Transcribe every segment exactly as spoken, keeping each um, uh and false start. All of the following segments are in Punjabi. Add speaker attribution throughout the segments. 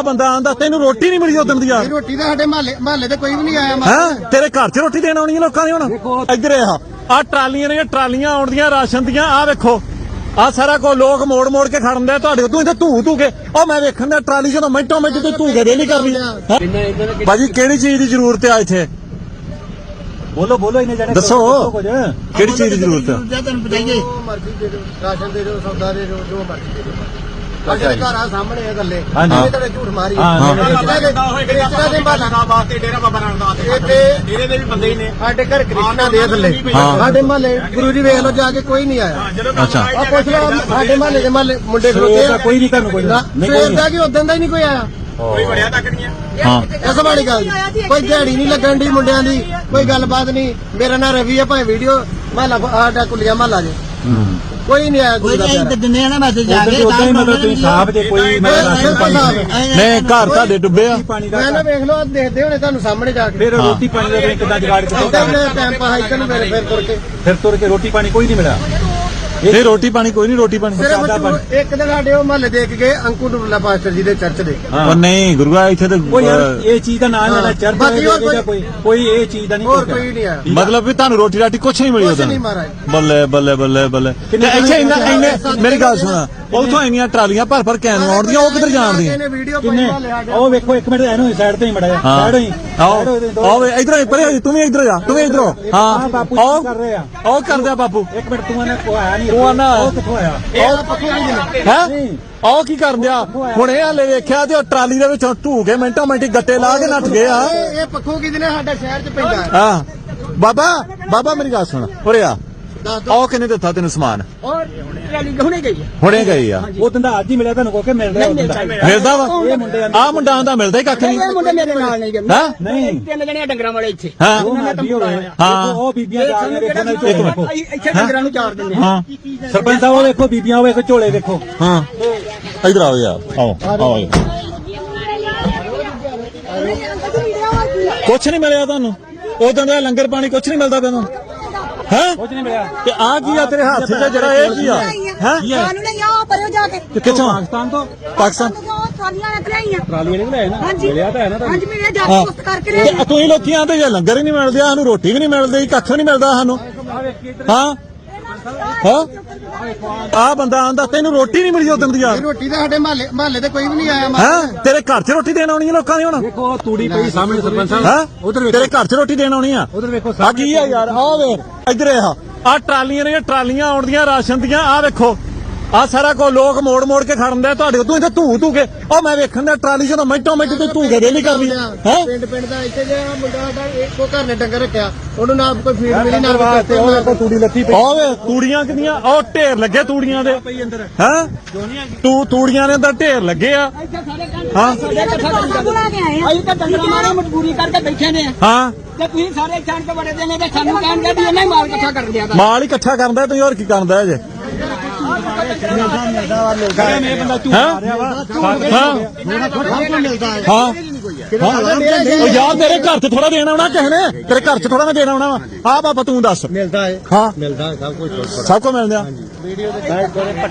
Speaker 1: ਬੰਦਾ ਆਂਦਾ ਤੈਨੂੰ ਰੋਟੀ ਨਹੀਂ ਮਿਲੀ ਉਦੋਂ ਦੀ ਯਾਰ।
Speaker 2: ਰੋਟੀ ਤਾਂ ਸਾਡੇ ਮਹੱਲੇ ਮਹੱਲੇ ਤੇ ਕੋਈ ਵੀ ਨਹੀਂ ਆਇਆ।
Speaker 1: ਹੈ ਤੇਰੇ ਘਰ 'ਚ ਰੋਟੀ ਦੇਣ ਆਉਣੀ ਲੋਕਾਂ ਦੀ ਹੁਣ। ਇੱਧਰ ਆ ਆ ਟਰਾਲੀਆਂ ਨੇ ਟਰਾਲੀਆਂ ਆਉਣਦੀਆਂ ਰਾਸ਼ਨ ਦੀਆਂ। ਆ ਵੇਖੋ ਆ ਸਾਰਾ ਕੋ ਲੋਕ ਮੋੜ ਮੋੜ ਕੇ ਖੜਨ ਦੇ ਤੁਹਾਡੇ ਤੂੰ ਇੱਥੇ ਧੂ ਧੂ ਕੇ। ਉਹ ਮੈਂ ਵੇਖਣ ਦਾ ਟਰਾਲੀ ਜਦੋਂ ਮਿੰਟੋ ਮਿੰਟ ਤੇ ਧੂ ਕੇ ਰੇਲੀ ਕਰਨੀ। ਭਾਜੀ ਕਿਹੜੀ ਚੀਜ਼ ਦੀ ਜ਼ਰੂਰਤ ਆ ਇੱਥੇ? ਬੋਲੋ ਬੋਲੋ ਇਹਨੇ ਜਿਹੜੇ ਦੱਸੋ ਕਿਹੜੀ ਚੀਜ਼ ਦੀ ਜ਼ਰੂਰਤ ਹੈ?
Speaker 2: ਤੁਹਾਨੂੰ ਬਤਾਈਏ ਮਰਜ਼ੀ ਦੇ ਦਿਓ, ਰਾਸ਼ਨ ਦੇ ਦਿਓ, ਸੌਦਾ ਦੇ ਦਿਓ, ਜੋ ਮਰਜ਼ੀ ਦੇ ਦਿਓ। ਸਾਡੇ ਘਰ ਆ ਸਾਹਮਣੇ ਇਹ ਗੱਲੇ ਇਹ ਤੁਹਾਡੇ ਝੂਠ ਮਾਰੀ ਕ੍ਰਿਸ਼ਨਾ ਦੇ ਵਾਸਤੇ ਡੇਰਾ ਬਾਬਾ ਨਾਨਕ ਦਾ ਡੇਰੇ ਦੇ ਵੀ ਬੰਦੇ ਹੀ ਨੇ। ਸਾਡੇ ਘਰ ਕ੍ਰਿਸ਼ਨਾ ਦੇ ਥੱਲੇ ਸਾਡੇ ਮਹੱਲੇ ਗੁਰੂ ਜੀ ਵੇਖ ਲਓ ਜਾ ਕੇ ਕੋਈ ਨਹੀਂ ਆਇਆ।
Speaker 1: ਅੱਛਾ
Speaker 2: ਆ ਪੁੱਛ ਲਓ ਸਾਡੇ ਮਹੱਲੇ ਦੇ ਮਹੱਲੇ ਮੁੰਡੇ ਖਲੋਤੇ ਆ,
Speaker 1: ਕੋਈ ਨਹੀਂ ਤੁਹਾਨੂੰ ਕੋਈ
Speaker 2: ਸਵੇਰ ਦਾ ਕਿ ਉਦੋਂ ਦਾ ਹੀ ਨਹੀਂ ਕੋਈ ਆਇਆ।
Speaker 1: ਕੋਈ ਵੜਿਆ ਤੱਕ ਨਹੀਂ
Speaker 2: ਹਾਂ ਇਸ ਵਾਲੀ ਗੱਲ ਕੋਈ ਦਿਹਾੜੀ ਨਹੀਂ ਲੱਗਣ ਦੀ ਮੁੰਡਿਆਂ ਦੀ, ਕੋਈ ਗੱਲਬਾਤ ਨਹੀਂ। ਮੇਰਾ ਨਾਂ ਰਵੀ ਹੈ, ਭਾਵੇਂ ਵੀਡੀਓ ਮਹੱਲਾ ਸਾਡਾ ਕੁਲੀਆ ਮਹੱਲਾ ਜੇ ਕੋਈ ਨਹੀਂ ਆਇਆ। ਕੋਈ ਨਹੀਂ ਦਿੰਦੇ ਆ ਨਾ ਮੈਸੇਜ ਆ ਕੇ
Speaker 1: ਉਦਾਂ ਹੀ ਮਤਲਬ ਤੁਸੀਂ ਸਾਹਬ ਦੇ ਕੋਈ ਨਹੀਂ ਘਰ ਤੁਹਾਡੇ ਡੁੱਬੇ ਆ।
Speaker 2: ਮੈਂ ਨਾ ਵੇਖ ਲਓ ਦੇਖਦੇ ਹੋਣੇ ਤੁਹਾਨੂੰ ਸਾਹਮਣੇ ਜਾ ਕੇ।
Speaker 1: ਫਿਰ ਰੋਟੀ ਪਾਣੀ ਦਾ ਕਿੱਦਾਂ ਜੁਗਾੜ ਕੀਤਾ?
Speaker 2: ਟਾਈਮ ਪਾ ਹਾਈਕਨ ਨੂੰ ਮੇਰੇ ਫਿਰ ਤੁਰ ਕੇ
Speaker 1: ਫਿਰ ਤੁਰ ਕੇ ਰੋਟੀ ਪਾਣੀ ਕੋਈ ਨਹੀਂ ਮਿਲਿਆ। ਇਹ ਰੋਟੀ ਪਾਣੀ ਕੋਈ ਨਹੀਂ ਰੋਟੀ ਪਾਣੀ
Speaker 2: ਇੱਕ ਦਿਨ ਸਾਡੇ ਉਹ ਮਹੱਲੇ ਦੇਖ ਗਏ ਅੰਕੂ ਡੁੱਲਾ ਪਾਸਟਰ ਜੀ ਦੇ ਚਰਚ ਦੇ।
Speaker 1: ਉਹ ਨਹੀਂ ਗੁਰੂਆ ਇੱਥੇ ਤੇ
Speaker 3: ਇਹ ਚੀਜ਼ ਦਾ ਨਾਮ ਲੈਣਾ ਚਰਚ ਕੋਈ ਕੋਈ ਇਹ ਚੀਜ਼ ਦਾ ਨਹੀਂ।
Speaker 2: ਹੋਰ ਕੋਈ ਨਹੀਂ ਆ
Speaker 1: ਮਤਲਬ ਵੀ ਤੁਹਾਨੂੰ ਰੋਟੀ ਰਾਟੀ ਕੁਛ ਨਹੀਂ ਮਿਲੀ ਉਦੋਂ?
Speaker 2: ਨਹੀਂ ਮਹਾਰਾਜ
Speaker 1: ਬੱਲੇ ਬੱਲੇ ਬੱਲੇ ਬੱਲੇ। ਇੱਥੇ ਇੰਨਾ ਇੰਨੇ ਮੇਰੀ ਗੱਲ ਸੁਣਾ ਉਥੋਂ ਇੰਨੀਆਂ ਟਰਾਲੀਆਂ ਭਰ ਭਰ ਕੇ ਆਉਂਦੀਆਂ ਉਹ ਕਿੱਧਰ ਜਾਣਦੀਆਂ?
Speaker 3: ਉਹ ਵੇਖੋ ਇੱਕ ਮਿੰਟ ਇਹਨੂੰ ਸਾਈਡ ਤੇ ਹੀ ਮੜਿਆ ਸਾਈਡ ਹੋਈ
Speaker 1: ਆਓ ਆਓ ਇਧਰ ਪਰੇ ਤੂੰ ਵੀ ਇਧਰ ਜਾ ਤੂੰ ਵੀ ਇਧਰ ਹਾਂ
Speaker 3: ਬਾਪੂ ਕਰ ਰਹੇ ਆ
Speaker 1: ਉਹ ਕਰਦੇ ਆ ਬਾਪੂ।
Speaker 3: ਇੱਕ ਮਿੰਟ ਤੂੰ ਇਹਨੇ ਕੋ ਆਇਆ ਨਹੀਂ
Speaker 1: ਤੂੰ ਆਣਾ
Speaker 3: ਉਹ ਕਿੱਥੋਂ ਆਇਆ
Speaker 1: ਹੈ ਆਹ ਕੀ ਕਰਨ ਦਿਆ ਹੁਣ? ਇਹ ਹਾਲੇ ਵੇਖਿਆ ਤੇ ਉਹ ਟਰਾਲੀ ਦੇ ਵਿੱਚੋਂ ਢੂ ਕੇ ਮਿੰਟੋ ਮਿੰਟੀ ਗੱਟੇ ਲਾ ਕੇ ਨੱਠ ਗਏ ਆ।
Speaker 2: ਇਹ ਪੱਖੋਂ ਕਿਹਦੇ ਨੇ ਸਾਡਾ ਸ਼ਹਿਰ ਚ ਪੈਂਦਾ।
Speaker 1: ਹਾਂ ਬਾਬਾ ਬਾਬਾ ਮੇਰੀ ਗੱਲ ਸੁਣ ਉਰੇ ਆ। ਆਹ ਕਿੰਨੇ ਦਿੱਤਾ ਤੈਨੂੰ ਸਮਾਨ?
Speaker 2: ਔਰ ਟਰਾਲੀ ਹੁਣੇ ਗਈ
Speaker 1: ਹੁਣੇ ਗਈ ਆ।
Speaker 3: ਉਹ ਦਿੰਦਾ ਅੱਜ ਹੀ ਮਿਲਿਆ ਤੁਹਾਨੂੰ ਕੋ ਕੇ ਮਿਲ ਰਿਹਾ
Speaker 1: ਮਿਲਦਾ ਵਾ ਆ ਮੁੰਡਾ ਆਂਦਾ ਮਿਲਦਾ ਹੀ ਕੱਖ ਨਹੀਂ।
Speaker 2: ਇਹ ਮੁੰਡੇ ਮੇਰੇ ਨਾਲ ਨਹੀਂ ਗਏ।
Speaker 1: ਹਾਂ
Speaker 2: ਨਹੀਂ ਤਿੰਨ ਜਣੇ ਡੰਗਰਾਂ ਵਾਲੇ ਇੱਥੇ।
Speaker 1: ਹਾਂ
Speaker 3: ਹਾਂ ਉਹ ਬੀਬੀਆਂ ਜਾ ਕੇ ਵੇਖੋ ਨਾ ਝੋਲੇ
Speaker 2: ਇੱਥੇ ਡੰਗਰਾਂ ਨੂੰ ਚਾਰ ਦਿੰਦੇ।
Speaker 1: ਹਾਂ
Speaker 3: ਸਰਪੰਚ ਸਾਹਿਬ ਉਹ ਵੇਖੋ ਬੀਬੀਆਂ ਉਹ ਵੇਖੋ ਝੋਲੇ ਵੇਖੋ।
Speaker 1: ਹਾਂ ਇਧਰ ਆਓ ਯਾਰ ਆਓ ਆਓ। ਕੁਛ ਨਹੀਂ ਮਿਲਿਆ ਤੁਹਾਨੂੰ ਉਦੋਂ ਦਾ ਲੰਗਰ ਪਾਣੀ ਕੁਛ ਨਹੀਂ ਮਿਲਦਾ ਤੈਨੂੰ? ਹੈ
Speaker 3: ਕੁਝ ਨਹੀਂ ਮਿਲਿਆ।
Speaker 1: ਤੇ ਆ ਕੀ ਆ ਤੇਰੇ ਹੱਥ 'ਚ ਜਿਹੜਾ ਇਹ ਕੀ ਆ? ਹੈ
Speaker 4: ਸਾਨੂੰ ਨਹੀਂ ਆ ਪਰਿਓ ਜਾ ਕੇ
Speaker 1: ਕਿੱਥੋਂ?
Speaker 3: ਪਾਕਿਸਤਾਨ ਤੋਂ
Speaker 1: ਪਾਕਿਸਤਾਨ
Speaker 4: ਟਰਾਲੀਆਂ ਰੱਖ ਲਈਆਂ।
Speaker 3: ਟਰਾਲੀਆਂ ਨਹੀਂ ਲੈ ਨਾ ਮਿਲਿਆ ਤਾਂ ਹੈ ਨਾ
Speaker 4: ਹਾਂਜੀ ਮੇਰੇ ਜਾ ਕੇ ਪੁੱਤ ਕਰਕੇ ਲੈ
Speaker 1: ਤੇ ਤੁਸੀਂ ਲੋਕੀ ਆਂਦੇ ਜੇ ਲੰਗਰ ਹੀ ਨਹੀਂ ਮਿਲਦੇ ਸਾਨੂੰ ਰੋਟੀ ਵੀ ਨਹੀਂ ਮਿਲਦੀ ਕੱਖ ਨਹੀਂ ਮਿਲਦਾ ਸਾਨੂੰ। ਹਾਂ ਹਾਂ ਆ ਬੰਦਾ ਆਂਦਾ ਤੈਨੂੰ ਰੋਟੀ ਨਹੀਂ ਮਿਲੀ ਉਦੋਂ ਦੀ ਯਾਰ।
Speaker 2: ਰੋਟੀ ਤਾਂ ਸਾਡੇ ਮਹੱਲੇ ਮਹੱਲੇ ਤੇ ਕੋਈ ਵੀ ਨਹੀਂ ਆਇਆ।
Speaker 1: ਹੈ ਤੇਰੇ ਘਰ 'ਚ ਰੋਟੀ ਦੇਣ ਆਉਣੀ ਆ ਲੋਕਾਂ ਦੀ ਹੁਣ।
Speaker 3: ਵੇਖੋ ਤੂੜੀ ਪਈ ਸਾਹਮਣੇ ਸਰਪੰਚ ਸਾਹਿਬ
Speaker 1: ਹੈ ਉਧਰ ਤੇਰੇ ਘਰ 'ਚ ਰੋਟੀ ਦੇਣ ਆਉਣੀ ਆ।
Speaker 3: ਉਧਰ ਵੇਖੋ
Speaker 1: ਆ ਕੀ ਆ ਯਾਰ? ਆ ਵੇਖ ਇੱਧਰ ਆ ਆ ਟਰਾਲੀਆਂ ਨੇ ਟਰਾਲੀਆਂ ਆਉਣਦੀਆਂ ਰਾਸ਼ਨ ਦੀਆਂ। ਆ ਵੇਖੋ ਆ ਸਾਰਾ ਕੋ ਲੋਕ ਮੋੜ ਮੋੜ ਕੇ ਖੜਨ ਦੇ ਤੁਹਾਡੇ ਤੂੰ ਇੱਥੇ ਧੂ ਧੂ ਕੇ। ਉਹ ਮੈਂ ਵੇਖਣ ਦਾ ਟਰਾਲੀ ਜਦੋਂ ਮਿੰਟੋ ਮਿੰਟ ਤੇ ਧੂ ਕੇ ਰੇਲੀ ਕਰਨੀ ਹੈ।
Speaker 2: ਪਿੰਡ ਪਿੰਡ ਦਾ ਇੱਥੇ ਜਿਹੜਾ ਮੁੰਡਾ ਸਾਡਾ ਇੱਕੋ ਘਰ ਨੇ ਡੰਗਰ ਰੱਖਿਆ ਉਹਨੂੰ ਨਾ ਕੋਈ ਫੀਡ ਮਿਲੀ ਨਾ
Speaker 3: ਵਾਸਤੇ ਉਹ ਵੇਖੋ ਤੂੜੀ ਲੱਥੀ ਪਈ।
Speaker 1: ਉਹ ਵੇ ਤੂੜੀਆਂ ਕਿੰਨੀਆਂ ਉਹ ਢੇਰ ਲੱਗੇ ਤੂੜੀਆਂ ਦੇ ਹੈ ਤੂੰ ਤੂੜੀਆਂ ਦੇ ਅੰਦਰ ਢੇਰ ਲੱਗੇ ਆ। ਹਾਂ
Speaker 4: ਬੁਲਾ ਕੇ ਆਏ ਆ।
Speaker 2: ਅਸੀਂ ਤਾਂ ਡੰਗਰ ਮਾਰੇ ਮਜਬੂਰੀ ਕਰਕੇ ਬੈਠੇ ਨੇ।
Speaker 1: ਹਾਂ
Speaker 2: ਤੇ ਤੁਸੀਂ ਸਾਰੇ ਛਾਣ ਕੇ ਬੜੇ ਦੇ ਨੇ ਤੇ ਸਾਨੂੰ ਕਹਿਣਗੇ ਵੀ ਇਹਨੇ ਮਾਲ ਇਕੱਠਾ ਕਰ ਦਿਆ।
Speaker 1: ਮਾਲ ਹੀ ਇਕੱਠਾ ਕਰਦਾ ਤੁਸੀਂ ਹੋਰ ਕੀ ਕਰਦਾ ਹੈ ਜੇ?
Speaker 3: ਇਹ ਬੰਦਾ ਝੂਠ
Speaker 1: ਹਾਂ
Speaker 3: ਮਾਰਿਆ ਵਾ
Speaker 1: ਹਾਂ ਹਾਂ ਉਹ ਯਾਰ ਤੇਰੇ ਘਰ 'ਚ ਥੋੜਾ ਦੇਣਾ ਆਉਣਾ ਕਿਸੇ ਨੇ? ਤੇਰੇ ਘਰ 'ਚ ਥੋੜਾ ਨਾ ਦੇਣਾ ਆਉਣਾ ਵਾ। ਆ ਬਾਬਾ ਤੂੰ ਦੱਸ।
Speaker 2: ਮਿਲਦਾ ਹੈ
Speaker 1: ਹਾਂ
Speaker 2: ਮਿਲਦਾ ਹੈ ਸਭ ਕੁਝ
Speaker 1: ਸਭ ਕੁਝ ਮਿਲਦਾ।
Speaker 2: ਵੀਡੀਓ ਦੇ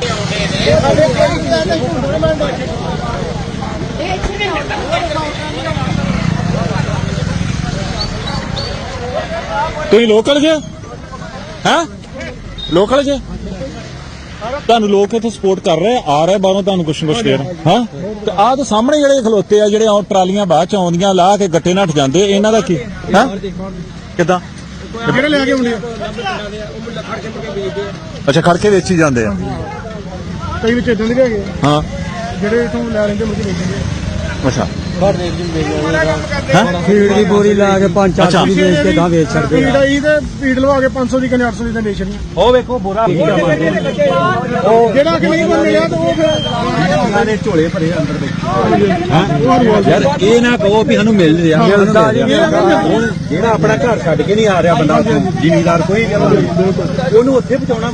Speaker 1: ਤੁਸੀਂ ਲੋਕਲ ਜੇ ਹੈ ਲੋਕਲ ਜੇ ਤੁਹਾਨੂੰ ਲੋਕ ਇੱਥੇ ਸਪੋਰਟ ਕਰ ਰਹੇ ਆ ਰਹੇ ਬਾਹਰੋਂ ਤੁਹਾਨੂੰ ਕੁਛ ਕੁਛ ਦੇ ਰਹੇ ਹਾਂ। ਤੇ ਆਹ ਤਾਂ ਸਾਹਮਣੇ ਜਿਹੜੇ ਖਲੋਤੇ ਆ ਜਿਹੜੇ ਉਹ ਟਰਾਲੀਆਂ ਬਾਅਦ ਚ ਆਉਂਦੀਆਂ ਲਾ ਕੇ ਗੱਟੇ ਨੱਠ ਜਾਂਦੇ ਇਹਨਾਂ ਦਾ ਕੀ ਹੈ? ਕਿੱਦਾਂ
Speaker 2: ਜਿਹੜੇ ਲੈ ਕੇ ਹੁੰਦੇ ਆ
Speaker 1: ਅੱਛਾ ਖੜ ਕੇ ਵੇਚੀ ਜਾਂਦੇ ਆ।
Speaker 2: ਕਈ ਵਿੱਚ ਇਦਾਂ ਦੇ ਵੀ ਹੈਗੇ
Speaker 1: ਹਾਂ
Speaker 2: ਜਿਹੜੇ ਇਥੋਂ ਲੈ ਲੈਂਦੇ ਮੁੜ ਕੇ ਵੇਚਦੇ
Speaker 1: ਅੱਛਾ
Speaker 3: ਫੀਡ ਦੀ ਬੋਰੀ ਲਾ ਕੇ ਪੰਜ ਚਾਰ ਸੌ ਦੀ ਵੇਚ ਕੇ ਗਾਂ ਵੇਚ ਸਕਦੇ
Speaker 2: ਪੀੜ ਆਈ ਤੇ ਪੀੜ ਲਵਾ ਕੇ ਪੰਜ ਸੌ ਦੀ ਕਨੇ ਅੱਠ ਸੌ ਦੀ ਤਾਂ ਨੇਸ਼ਨ
Speaker 3: ਉਹ ਵੇਖੋ ਬੋਰਾ
Speaker 2: ਉਹ ਜਿਹੜਾ ਕਿ ਨਹੀਂ ਮਿਲਿਆ ਤਾਂ ਉਹ ਫਿਰ
Speaker 3: ਉਹਨਾਂ ਦੇ ਝੋਲੇ ਭਰੇ ਅੰਦਰ ਦੇ। ਯਾਰ ਇਹ ਨਾ ਕਹੋ ਵੀ ਸਾਨੂੰ ਮਿਲ ਰਿਹਾ ਹੁਣ ਜਿਹੜਾ ਆਪਣਾ ਘਰ ਛੱਡ ਕੇ ਨਹੀਂ ਆ ਰਿਹਾ ਬੰਦਾ ਜ਼ਿਮੀਦਾਰ ਕੋਈ ਉਹਨੂੰ ਉੱਥੇ ਪਹੁੰਚਾਉਣਾ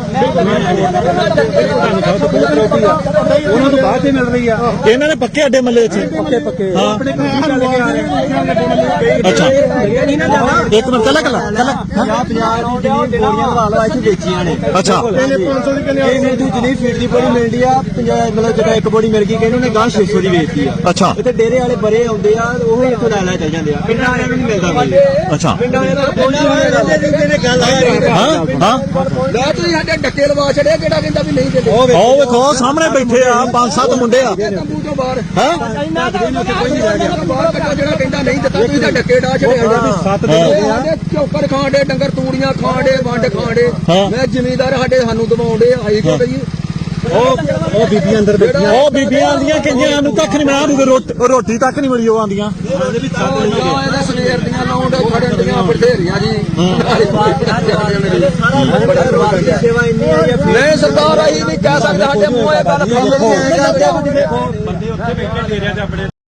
Speaker 3: ਉਹਨਾਂ ਤੋਂ ਬਾਅਦ ਹੀ ਮਿਲ ਰਹੀ ਆ।
Speaker 1: ਇਹਨਾਂ ਨੇ ਪੱਕੇ ਅੱਡੇ ਮੱਲੇ ਚ
Speaker 3: ਵਾਲੇ ਪੱਕੇ
Speaker 1: ਹਾਂ।
Speaker 3: ਆਪਣੇ ਕੰਮ ਚੱਲ ਕੇ ਆ ਰਹੇ
Speaker 1: ਅੱਛਾ
Speaker 3: ਨਹੀਂ ਨਾ ਜਾਣਾ
Speaker 1: ਇੱਕ ਮਿੰਟ ਕੱਲਾ ਕੱਲਾ ਕੱਲਾ
Speaker 3: ਪੰਜਾਹ ਪੰਜਾਹ ਦੀ ਜਿੰਨੀ ਬੋਰੀਆਂ ਲਾ ਲਾ ਇੱਥੇ ਵੇਚੀਆਂ ਨੇ
Speaker 1: ਅੱਛਾ
Speaker 3: ਇਹ ਮੈਨੂੰ ਜਿੰਨੀ ਫੀਟ ਦੀ ਬੋਰੀ ਮਿਲਦੀ ਆ ਪੰਜਾਹ ਮਤਲਬ ਜਿਹੜਾ ਇੱਕ ਬੋਰੀ ਮਿਲ ਗਈ ਕਿ ਇਹਨੂੰ ਨੇ ਗਾਂ ਛੇ ਸੌ ਦੀ ਵੇਚਤੀ ਆ
Speaker 1: ਅੱਛਾ
Speaker 3: ਇੱਥੇ ਡੇਰੇ ਵਾਲੇ ਬਰੇ ਆਉਂਦੇ ਆ ਉਹ ਹੀ ਇੱਥੋਂ ਲੈ ਲੈ ਚੱਲ ਜਾਂਦੇ ਆ ਪਿੰਡਾਂ ਵਾਲਿਆਂ ਨੂੰ ਨਹੀਂ ਮਿਲਦਾ ਕੋਈ
Speaker 1: ਅੱਛਾ
Speaker 3: ਪਿੰਡਾਂ ਵਾਲਿਆਂ ਦਾ ਕੋਈ ਨਹੀਂ ਗੱਲ
Speaker 1: ਹਾਂ ਹਾਂ
Speaker 3: ਲੈ ਤੁਸੀਂ ਸਾਡੇ ਡੱਕੇ ਲਵਾ ਛੜਿਆ ਕਿਹੜਾ ਕਹਿੰਦਾ ਵੀ ਨਹੀਂ ਦਿੰਦੇ
Speaker 1: ਉਹ ਵੇਖੋ ਸਾਹਮਣੇ ਬੈਠੇ ਆ ਪੰਜ ਸੱਤ ਮੁੰਡੇ ਆ
Speaker 3: ਤੰਬੂ ਤੋਂ ਬਾਹਰ
Speaker 1: ਹੈ
Speaker 3: ਬਾਹਰ ਕੱਢੋ ਜਿਹੜਾ ਕਹਿੰਦਾ ਨਹੀਂ ਦਿੱਤਾ ਤੁਸੀਂ ਤਾਂ ਡੱਕੇ ਡਾ ਛੜਿਆ
Speaker 1: ਸੱਤ
Speaker 3: ਸਾਡੇ ਚੌਕਰ ਖਾਂਡੇ ਡੰਗਰ ਤੂੜੀਆਂ ਖਾਂਡੇ ਵੰਡ ਖਾਂਡੇ
Speaker 1: ਹਾਂ।
Speaker 3: ਮੈਂ ਜ਼ਿਮੀਂਦਾਰ ਸਾਡੇ ਸਾਨੂੰ ਦਵਾਉਂਦੇ ਆਈ ਕੋ ਕਈ
Speaker 1: ਉਹ ਉਹ ਬੀਬੀਆਂ ਅੰਦਰ ਬੈਠੀਆਂ ਉਹ ਬੀਬੀਆਂ ਆਂਦੀਆਂ ਕਹਿੰਦੀਆਂ ਨੂੰ ਕੱਖ ਨਹੀਂ ਮਿਲਿਆ ਰੋਟੀ ਰੋਟੀ ਤੱਕ ਨਹੀਂ ਮਿਲੀ ਉਹ ਆਂਦੀਆਂ
Speaker 3: ਇਹਦਾ ਸਵੇਰ ਦੀਆਂ ਲਾਉਂਡ ਖੜਨ ਦੀਆਂ ਬਥੇਰੀਆਂ ਜੀ ਸੇਵਾ ਇੰਨੀ ਹੈ ਨਹੀਂ ਸਰਕਾਰ ਆਈ ਨਹੀਂ ਕਹਿ ਸਕਦਾ ਸਾਡੇ ਮੂੰਹ ਇਹ ਗੱਲ ਫਸ
Speaker 1: ਬੰਦੇ ਉੱਥੇ ਬੈਠੇ ਡੇਰਿਆਂ 'ਚ ਆਪਣੇ